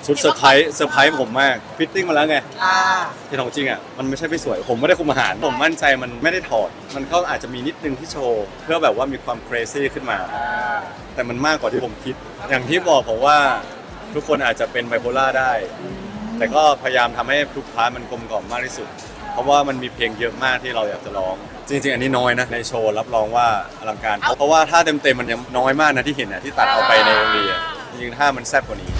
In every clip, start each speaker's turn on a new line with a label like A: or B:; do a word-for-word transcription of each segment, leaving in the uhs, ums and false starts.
A: ชุดเซอร์ไพรส์เซอร์ไพรส์ผมมากฟิตติ้งมาแล้วไง
B: อ่า
A: ที่ของจริงอ่ะมันไม่ใช่ไม่สวยผมไม่ได้คุมอาหารผมมั่นใจมันไม่ได้ถอดมันก็อาจจะมีนิดนึงที่โชว์เพื่อแบบว่ามีความ crazy ขึ้นมา แต่มันมากกว่าที่ผมคิด อย่างที่บอกผมว่าทุกคนอาจจะเป็นไบโพล่าได้ แต่ก็พยายามทำให้ทุกพาร์ทมันกลมกล่อมมากที่สุด เพราะว่ามันมีเพลงเยอะมากที่เราอยากจะร้อง จริงๆอันนี้น้อยนะในโชว์รับรองว่าอลังการ เพราะว่าถ้าเต็มๆมันยังน้อยมากนะที่เห็นนะที่ตัดเอาไปในเอ็มวีอ่ะจริงๆถ้ามันแซ่บกว่านี้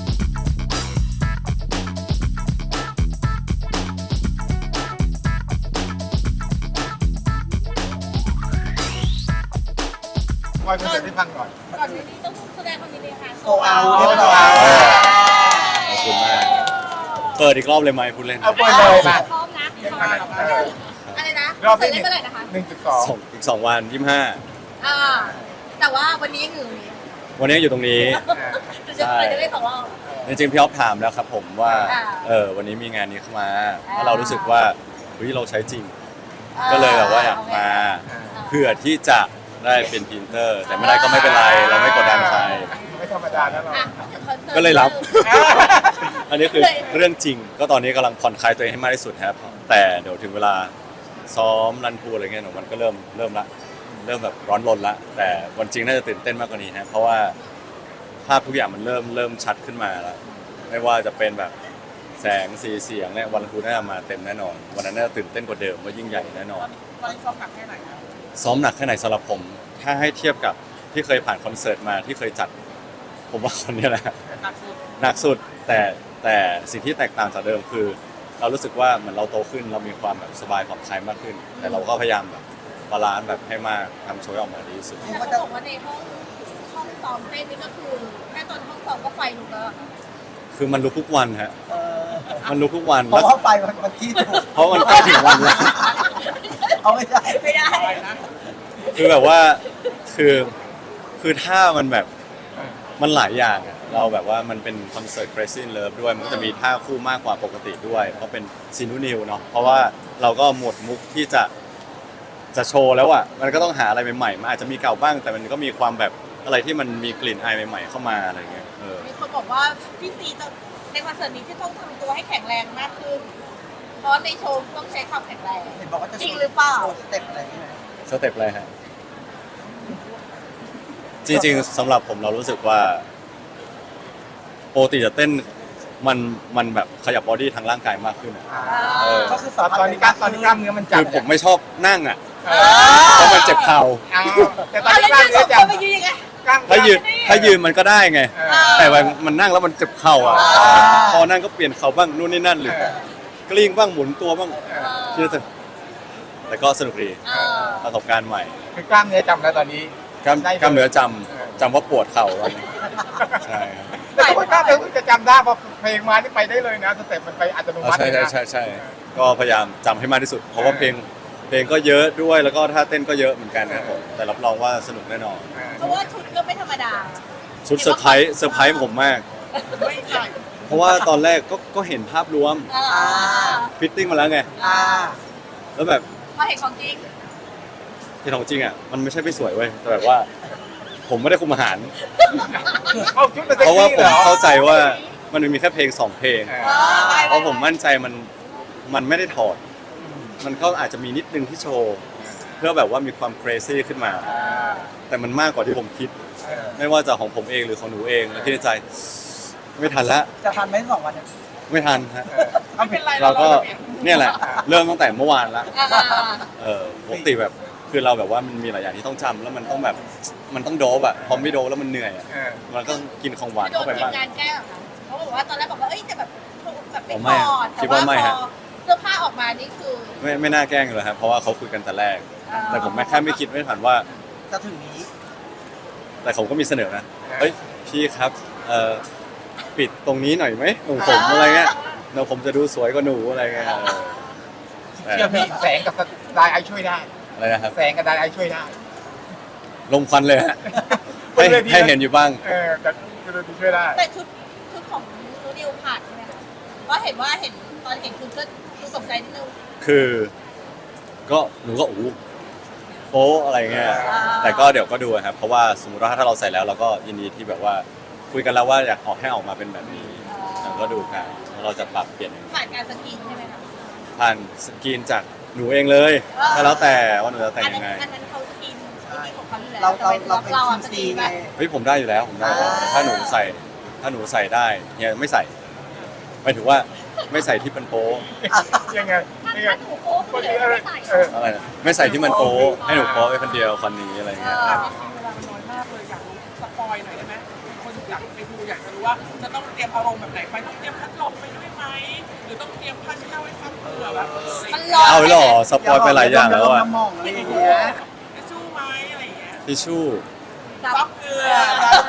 C: คอยคอนเสิร์ตให้ฟังก่อน
D: ก่อนหน้านี้ต้องแสดงความยินดีค่ะ
B: โซเอาเรียบร้อย
A: ขอบคุณมากเปิดอีกรอบเลยไหมพูดเล่น
C: เอาเปิดเลยมา
D: พร้อมนะพร้อมอะไรนะ
C: รอบ
D: เสร็
C: ที่
D: จเล่นเมื่อไหร่นะคะ
C: หนึ่งจุดสอง
A: สองอีกสองวันยี่สิบห้า
D: อ่าแต่ว่าวันนี้ยังอยู่นี้
A: วันนี้อยู่ตรงนี้
D: จะจะไปจะได้สองรอบ
A: จริงๆพี่อ๊อฟถามแล้วครับผมว่า
D: อ่า
A: เออวันนี้มีงานนี้เข้ามา
D: อ่า
A: แล้วเรารู้สึกว่าเฮ้ยเราใช้จริง ก็เลยแบบว่าอยากมาเพื่อที่จะได้เป็นพรีเซนเตอร์ แต่ไม่ได้ก็ไม่เป็นไรเราไม่กดดันใคร
C: ไม่ธรรมดานะเรา
D: อ่ะคอนสิร์ต
A: ก็เลยรับ อันนี้คือเรื่องจริง ก็ตอนนี้กำลังผ่อนคลายตัวเองให้มากที่สุดครับแต่เดี๋ยวถึงเวลาซ้อมรันพูอะไรเงี้ยเดี๋ยวมันก็เริ่มเริ่มละเริ่มแบบร้อนรนละแต่วันจริงน่าจะตื่นเต้นมากกว่านี้ฮะเพราะว่าภาพทุกอย่างมันเริ่มเริ่มชัดขึ้นมาแล้วไม่ว่าจะเป็นแบบแสงสีเสียงเนี่ยวันรันพูน่าจะมาเต็มแน่นอนวันนั้นน่าจะตื่นเต้นกว่าเดิมว่ายิ่งใหญ่แน่นอน
B: วันนี้ซ้อมหนักแค่ไหนครับ
A: ซ้อมหนักแค่ไหนสำหรับผม ถ้าให้เทียบกับที่เคยผ่านคอนเสิร์ตมาที่เคยจัด ผมว่าคนนี้แหละ
B: หนักสุด
A: หนักสุดแต่แต่สิ่งที่แตกต่างจากเดิมคือ เรารู้สึกว่าเหมือนเราโตขึ้นเรามีความแบบสบายผ่อนคลายมากขึ้น แต่เราก็พยายามแบบบาลานซ์แบบให้มากทำโชว์ออกมาดีที่สุด
D: แต่เขาบอกว่าในห้องห้องซ้อมเต้นนี่ก็คือแค่ตอนห้องซ้อมก็ไฟลุกแล้ว
A: คือมันลุกทุกวันฮะ
B: เออ
A: มันลุกทุกวัน
B: เพราะว่าไฟมันมันที่ถูก
A: เพราะมันใกล้ถึงวันแล้ว
B: เอาไม่ได้
D: ไม่ได้
A: คือแบบว่าคือคือถ้ามันแบบมันหลายอย่างอะเราแบบว่ามันเป็นคอนเสิร์ต Crazy in Love ด้วยมันก็จะมีท่าคู่มากกว่าปกติด้วย เพราะเป็นซีนูนิวเนาะเพราะว่าเราก็หมดมุกที่จะจะโชว์แล้วอ่ะมันก็ต้องหาอะไรใหม่ๆมันอาจจะมีเก่าบ้าง แต่มันก็มีความแบบอะไรที่มันมีกลิ่นอายใหม่ๆเข้ามาอะไรเงี้ยเออ
D: มีคนบอกว่าพี่ซีต้องในคอนเสิร์ตนี้ที่ต้องทำตัวให้แข็งแรงมากขึ้น เพราะในโชว์ต้องใช้ความแข็งแรง
B: เห็นบอกว่าจะ
D: จริงหรือเปล่า
B: โชว์สเต็ปอะไรนี่ไหม
A: สเต็ปอะไรฮะจริงๆสำหรับผมเรารู้สึกว่าปกติจะเต้นมันมันแบบขยับบอดี้ทางร่างกายมากขึ้นอะ เออ
B: ก็คือ
C: ตอนตอนนี้กล้ามตอนนี้กล้ามเนื้อมันจับ
A: คือผมไม่ชอบนั่งอ่ะ
C: เออ
A: เพราะมันเจ็บเข่า
C: เอาแต่ตอน
D: เอา
C: นี้
D: แล้ว
C: กล้าม
D: ยื
C: เนื้อน จับ
D: สองคนไปยืนยังไง
C: กล้าม
A: ถ้ายืนถ้ายืนมันก็ได้ไง
C: เออ
A: แต่ว่ามันนั่งแล้วมันเจ็บเข่าอ่ะ
D: อ่า
A: พอนั่งก็เปลี่ยนเข่าบ้างนู่นนี่นั่นหรือกลิ้งบ้างหมุนตัวบ้าง
C: เออ
A: ที่จะแต่ก็สนุกดี
D: เออ
A: ประสบการณ์ใหม่
C: คือกล้ามเนื้อจำแล้วตอนนี้
A: กล้าม
C: ได้เลย
A: กล้ามเนื้อจ
C: เออ
A: ำจำว่าปวดเข่าตอนนี้ใช่ครับ
C: แต่ว่ากล้ามเนื้อจะจำได้เพราะเพลงมาที่ไปได้เลยนะสเต็ปมันไปอัตโน
A: อ๋อ
C: มัติ
A: ใช่
C: เลย
A: ใช่
C: นะ
A: ใช่ใช่ก็พยายามจำให้มากที่สุด เพราะว่าเพลงเพลงก็เยอะด้วยแล้วก็ท่าเต้นก็เยอะเหมือนกันนะครับผมแต่รับรองว่าสนุกแน่นอน
C: เออ
D: เพราะว่าชุดก็ไม่ธรรมดา
A: ชุดเซอร์ไพรส์เซอร์ไพรส์ผมมาก
D: ไม่ใช่
A: เพราะว่าตอนแรกก็ก็เห็นภาพรวม
D: อ่า
A: ฟิตติ้งมาแล้วไง
B: อ่า
A: แล้วแบบ
D: มาเห็นของจริง
A: ที่ของจริงอ่ะมันไม่ใช่ไม่สวยเว้ยแต่แบบว่า ผมไม่ได้คุมอาหาร
C: เอาชุดมา
A: เพ
C: เซ็ก
A: ราะว่า
C: ซี่
A: ผ
C: เหร
A: ม
C: อ
A: เข้าใจว่ามันมีแค่เพลงสองเพลง
C: เออ
D: เออไป
A: เพราะผมมั่นใจมันมันไม่ได้ถอด มันก็อาจจะมีนิดนึงที่โชว์ เพื่อแบบว่ามีความ crazy ขึ้นมา
C: อ่า
A: แต่มันมากกว่าที่ผมคิด
C: เออ
A: ไม่ว่าจะของผมเองหรือของหนูเองแล้วคิดในใจ ไม่ทันละ
B: จะทันไหมสองวันเนี่ย
A: ไม่ทันฮะ
B: ไม่เป็นไร
A: เราก็เนี่ยแหละ เริ่มตั้งแต่เมื่อวานละ
D: อ่า
A: เออปกติแบบคือเราแบบว่ามันมีหลายอย่างที่ต้องจำแล้วมันต้องแบบมันต้องโดบอะพอไม่โดบแล้วมันเหนื่อยอะ
C: เออ
A: มันก็กินของหวาน
D: โด
A: เข้าน ไป
D: ที
A: บ้าม ง
D: งานแก้เหรอคะเขาบอกว่าตอนแรกบอกว่าเอ้ยจะแบบแบบไม่
A: ผม
D: ถ
A: ไม่
D: อด
A: คิ
D: แต่
A: ด
D: ว่า
A: ว่าไม่
D: พ
A: ฮะ
D: อเสื้อผ้าออกมานี่คือ
A: ไม่ไม่น่าแกล้งเลยครับเพราะว่าเขาคุยกันแต่แรก
D: อ่า
A: แต่ผมไม่แค่ไม่คิดไม่ผ่านว่า
B: จะถึงนี้
A: แต่ผมก็มีเสนอนะเฮ้ยพี่ครับเอ่อปิดตรงนี้หน่อยไหมของผมอะไรเงี้ยเดี๋ยวผมจะดูสวยกว่าหนูอะไรเงี้ยเออแต่
C: เชื่อพี่แสงกับไดไอช่วยได้
A: อะไรนะครับ
C: แสงกับไดไอช่วยได้
A: ลมควันเลยฮะให้ให้เห็นอยู่บ้าง
C: เออแต่คือเราช่วยได้
D: แต่ชุดชุดของนูนิวผ่านใช่ไหมคะเพราะเห็นว่าเห็นตอนเห็นคุณก็ดูตกใจนิดนึง
A: คือ ก็หนูก็อู้โป๊อะไรเงี้ย
D: อ่า
A: แต่ก็เดี๋ยวก็ดูครับ เพราะว่าสมมติว่าถ้าเราใส่แล้วเราก็ยินดีที่แบบว่าคุยกันแล้วว่าอยากออกให้ออกมาเป็นแบบนี้
D: อ่า
A: ก็ดูกันแล้วเราจะปรับเปลี่ยน
D: ผ่านการสกรีนใช่ไหมคะ
A: ผ่านสกรีนจากหนูเองเลยก็แล้วแต่ว่าหนูจะแต่ง
D: อัน
A: ยั
D: นั้น
A: งไง
D: อันนั้นเขาสกรีนที่ของเขาอยู่แล้ว
B: เราเราเรา
D: แต่
B: เป็น
D: เรา
B: ที
D: อะ
B: ม
D: สก
B: ซี
D: รีน
B: ไง
D: แบบ
A: เฮ้ยผมได้อยู่แล้วผมได้
B: อ่า
A: ถ้าหนูใส่ถ้าหนูใส่ได้เฮียไม่ใส่หมายถึงว่าไม่ใส่ที่มันโป๊ะ
C: ยังไง
E: ถ้า
C: ยังไง
E: ถ้าหนูโป๊คนเดียวไม่ใส่
C: เออ
A: อะไรนะไม่ใส่ที่มันโป๊ะให้หนูโป๊ะไปคนเดียวคนนี้อะไรเงี้ย
F: เวลามันน้อยมากเลยอยากรู้สปอยหน่อยได้ไหมคนอยากไปดูอยากจะรู้ว่าจะต้องเตรียมอารมณ์แบบไหนไปต้องเตรียมพัดลมไปด้วยไหมหรือต้องเตรียมผ้าเช็ดหน้าไว้ซับเผื่อแบบ
D: มันร้อน
A: เอาหรอสปอยไปหลายอย่างแล้วอะ
B: น้ำมองอะไรอย่างเงี้ย
F: ทิชชู่ไหมอะไรอย่างเงี้ย
A: ทิชชู่
F: ซับเกลือ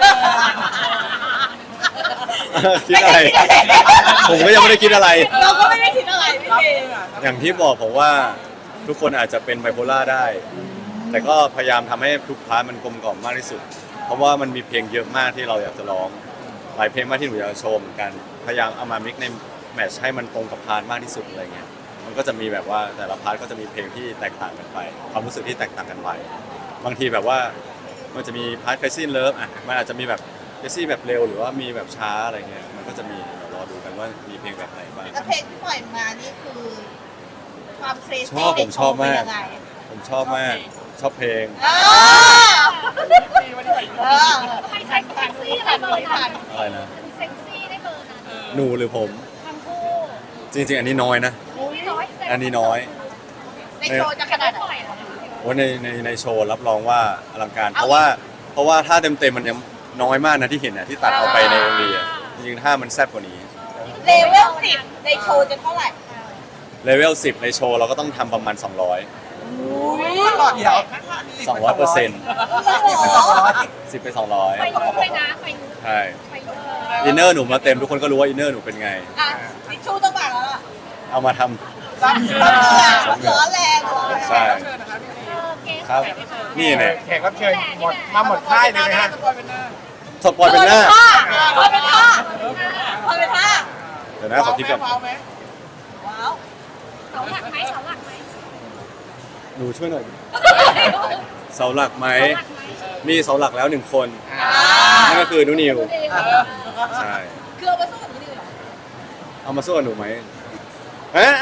A: คิดอะไร ผมก็ยังไม่ได้คิดอะไร
D: เราก็ไม่ได้คิดอะไรพี่
F: ซับ
D: เจ
F: เกลือ
A: อย่างที่บอกผมว่าทุกคนอาจจะเป็นไบโพล่าได้ แต่ก็พยายามทำให้ทุกพาร์ทมันกลมกล่อมมากที่สุด เพราะว่ามันมีเพลงเยอะมากที่เราอยากจะร้อง หลายเพลงมากที่หนูอยากจะโชว์เหมือนกัน พยายามเอามามิกในแมทช์ให้มันตรงกับพาร์ทมากที่สุดอะไรเงี้ย มันก็จะมีแบบว่าแต่ละพาร์ทก็จะมีเพลงที่แตกต่างกันไป ความรู้สึกที่แตกต่างกันไป บางทีแบบว่ามันจะมีพาร์ท Crazy in Love อ่ะ มันอาจจะมีแบบ Crazy แบบเร็วหรือว่ามีแบบช้าอะไรเงี้ย มันก็จะมีเดี๋ยวรอดูกันว่ามีเพลงแบบไหนบ้าง
D: แล้วเพลงที่ปล่อยมานี่คือความเคร
A: ช
D: ซี่
A: อบ
D: ใน
A: ผม
D: โช
A: ชอบ
D: ว์เป็น
A: มาก
D: ยังไง
A: ผมชอบมาก ชอบเพลง
D: เออเออ
E: ใครใส่เซ็กซี่ได้เบอร์นั้น
A: อะไรนะ
E: เซ็กซี่ได้เบอร์นั้น
A: หนูหรือผม
E: ทั้งคู่
A: จริง ๆ อันนี้น้อยนะ
E: อุ้ยน้อย
A: อันนี้น้อย
D: ในโชว์จะขนาด
E: ปล่
D: ไห
E: อน ยเหรอ
A: ว่าในในในโชว์รับรองว่าอลังการ เพราะว่าเพราะว่าถ้าเต็มเต็มๆมันยังน้อยมากนะที่เห็นนะที่ตัดเอาไปในเอ็มวีอะจริงๆถ้ามันแซ่บกว่านี้
D: เลเวลสิบในโชว์จะเท่าไหร่
A: เลเวลสิบในโชว์เราก็ต้องทำประมาณ สองร้อย
F: ตลอดเดียว
A: สองร้อยเปอร์เซ็นต์
B: สองร้อย
A: สิบไปสองร้อย
E: ไปยุ้ไปนะไปยุ้
A: ใช่
E: ไปยุ้
A: อินเนอร์หนูมาเต็มทุกคนก็รู้ว่าอินเนอร์หนูเป็นไง
D: อ่ะทิชชู่ต้องมาแล้วล่ะ
A: เอามาทำ
F: ซับเกลือ
D: ร้อนแรงร้อนแรง
A: ใช่
F: เชิญนะคะพี่ซี
E: เออเกส
A: ครับ นี่เนี่ย
C: แขกรับเชิญหมดมาหมดค่ายเลยไหมฮะ
F: สปอยเป็นหน้า
A: สปอยเป็นหน้า
D: พอเป็นท่าพอเป็นท่า
A: เดี๋ยวนะขอคิดก่อน
F: ว้าวไหม
D: ว้าว
E: เสาหลักไหมเสาหลักไหม
A: หนูช่วยหน่อยเสาหลักไหม
E: เสาหลักไหม
A: มีเสาหลักแล้วหนึ่งคน
F: อ่า
A: นั่นก็คือนุนิว
E: ดูดิ
F: เออ
A: ใช่
D: คือเอามาสู้กับนี่เลยเหรอ
A: เอามาสู้กับหนูไหมเอ๊ะ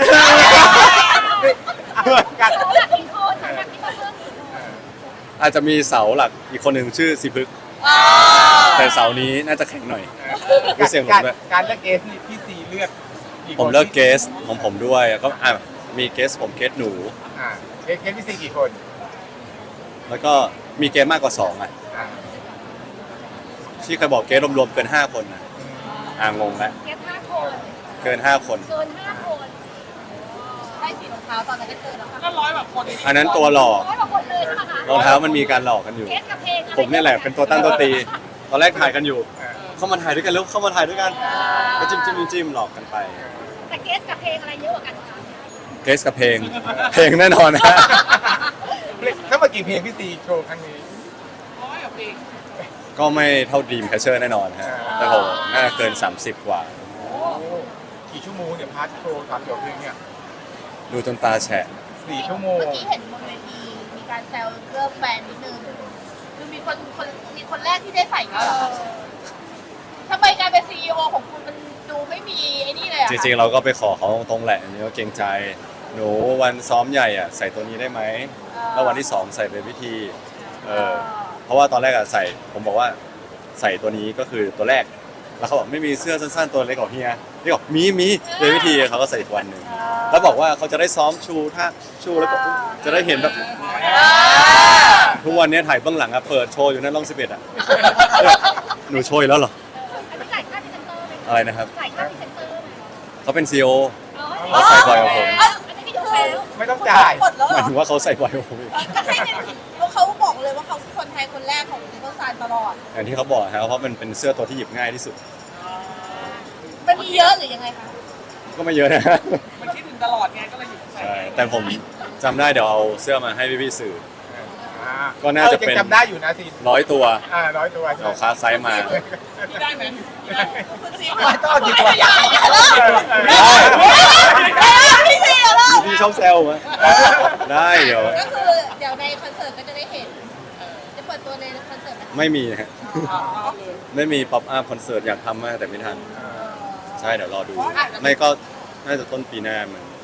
C: กัด
E: เสาหลักกี่คนเสาหลักที่มาเพิ่มกี่คน
A: อาจจะมีเสาหลักอีกคนหนึ่งชื่อสิพึกษ์
D: อ่า
A: แต่เสานี้น่าจะแข็งหน่อย มีเสียงหลงด้วย
C: การเลือกเกสนี่พี่ซีเลือกกี่คน
A: ผมเลือกเกสของผมด้วยก็อ่ะมีเกสผมเกสหนู
C: อ่าเกสเกสพี่ซีกี่คน
A: แล้วก็มีเกสมากกว่าสองอ่ะ
C: อ่า
A: ที่เคยบอกเกสรวมๆเกินห้าคนนะอ่างงแล้ว
E: เกสห้าคน
A: เกินห้าคน
E: เกินห้าคน
D: ได้สีรองเท้าตอนนั้นก็เจอแล้วค่ะ
F: ก็ร้อยแบบคน
A: อันนั้นตัวหลอก
E: ร้อยกว่าคนเลยใช่ไหมคะ
A: รองเท้ามันมีการหลอกกันอยู่
E: เกสกับเพลงอไร
A: ผมนี่แหละเป็นตัวตั้งตัวตี ตอนแรกถ่ายกันอยู่
C: อ่า
A: เข้ามาถ่ายด้วยกันแล้วเข้ามาถ่ายด้วยกันก็จิ้มจิ้มจิ้มหลอกกันไป
E: แต่เกสกับเพลงอะไรเยอะกว่ากันคะ
A: เกสกับเพลง เพลงแน่นอนนะ
C: แล้วเมื่อกี่เพลงพี่ซีโชว์ครั้งนี้
F: ร้อยแบบเอง
A: ก็ไม่เท่าดีมแคชเชอร์แน่นอนฮะแต่ผมน่าจะเกิน สามสิบ กว่า
C: โอ้กี่ชั่วโมงเนี่ยพาร์ทโชว์สามจบเพลงเนี่ย
A: ดูจนตาแฉะ
C: สี่ชั่วโมง
D: เมื่อกี้เห็นบนเวทีมีการแซวเรื่องแบรนด์นิดนึงคือมีคนคนมีคนแรกที่ได้ใส่ก็เหรอทำไมการเป็นซีอีโอของคุณมันดูไม่มีไอ้นี่เลยอะ
A: จ
D: คะ
A: ริงๆเราก็ไปขอเขาตรงๆแหละอันนี้ก็เกรงใจ หนูวันซ้อมใหญ่อ่ะใส่ตัวนี้ได้ไหมแล้ววันที่สองใส่เป็นพิธีเออเพราะว่าตอนแรกอ่ะใส่ผมบอกว่าใส่ตัวนี้ก็คือตัวแรก แล้วเขาบอกไม่มีเสื้อสั้นๆตัวเล็กของเฮียนี่บอกมีมีเป็นพิธีเขาก็ใส่อีกวันหนึ่งแล้วบอกว่าเขาจะได้ซ้อมชูท่าชูแล้วก็จะได้เห็นแบบ
D: อ่า
A: ทุกวันนี้ถ่ายเบื้องหลังอะเปิดโชว์อยู่นั่นร่องสิบเอ็ดอะหนูโชว์อีกแล้วเหรอ
E: อันนี้จ่ายค่าพรีเซนเตอร์ไหม
A: อะไรนะครับ
E: จ่ายค่าพรีเซนเตอร์ไหม
A: เขาเป็นซีอีโอ
E: อ๋อ
A: เขาใส่บ่อยกว่าผม
E: อันนี้ไม่ดูแล้ว
C: ไม่ต้องจ่าย
D: หมดแล้ว
A: ห
D: เหร
A: มาย
D: อ
A: ถึงว่าเขาใส่บ่อยกว่าผมอีก
D: ก็ให้เป็นเพราะเขาบอกเลยว่าเขาคือคนไทยคนแรกของซิงเกิลซานตลอด
A: อย่างที่เขาบอกครับเพราะมันเป็นเสื้อตัวที่หยิบง่ายที่สุด
D: มันมีเยอะหรือยังไงคะ
A: ก็ไม่เยอะนะ
F: มันคิดถึงตลอดไงก็เลยหยิบใส่
A: ใช่แต่ผมจำได้เดี๋ยวเอาเสื้อมาให้พี่ๆสื่อ
C: อ่า
A: ก็น่าจะเป็น
C: ออยังจำได้อยู่นะซี
A: ร้อยตัว
C: อ่าร้อยตัวใช่ไหม
A: เอาคาไซส์มา
F: พี่ได้ไหม
D: คุณซี
C: ไม่ต้องดีกว่า
D: อย่าอย่าเลิก
A: ได้
D: พี่ซีอย่าเลิก
A: พี่ชอบแซวไหมได้เดี๋ยว
D: ก็คือเดี๋ยวในคอนเสิร์ตก็จะได้เห็น จะเปิดตัวในคอนเสิร์ตไหม
A: ไม่มีฮะ
F: เอาเลย
A: ไม่มีป๊อปอัพคอนเสิร์ตอยากทำมากแต่ไม่ทันใช่เดี๋ยวรอดู ไม่ก็น่าจะต้นปีหน้ามัน